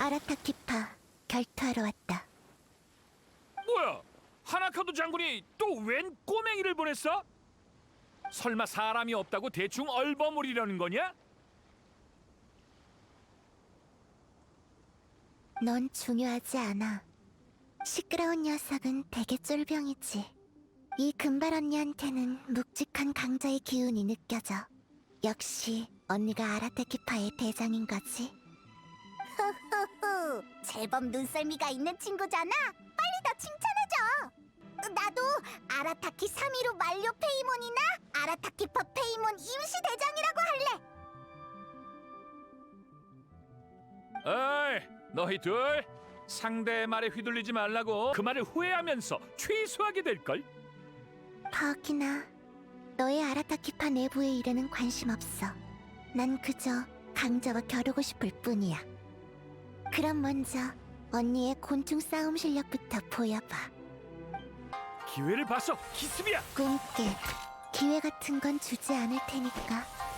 아라타키파 결투하러 왔다. 뭐야? 하나카도 장군이 또 웬 꼬맹이를 보냈어? 설마 사람이 없다고 대충 얼버무리려는 거냐? 넌 중요하지 않아. 시끄러운 녀석은 되게 쫄병이지. 이 금발 언니한테는 묵직한 강자의 기운이 느껴져. 역시 언니가 아라타키파의 대장인 거지. 호호호, 제법 눈썰미가 있는 친구잖아. 빨리 더 칭찬해줘. 나도 아라타키 3위로 만료 페이몬이나 아라타키파 페이몬 임시 대장이라고 할래. 어이, 너희 둘 상대의 말에 휘둘리지 말라고. 그 말을 후회하면서 취소하게 될걸? 파오키나, 너의 아라타키파 내부의 일에는 관심 없어. 난 그저 강자와 겨루고 싶을 뿐이야. 그럼 먼저 언니의 곤충 싸움 실력부터 보여봐. 기회를 봐서 기습이야. 꿈깨. 기회 같은 건 주지 않을 테니까.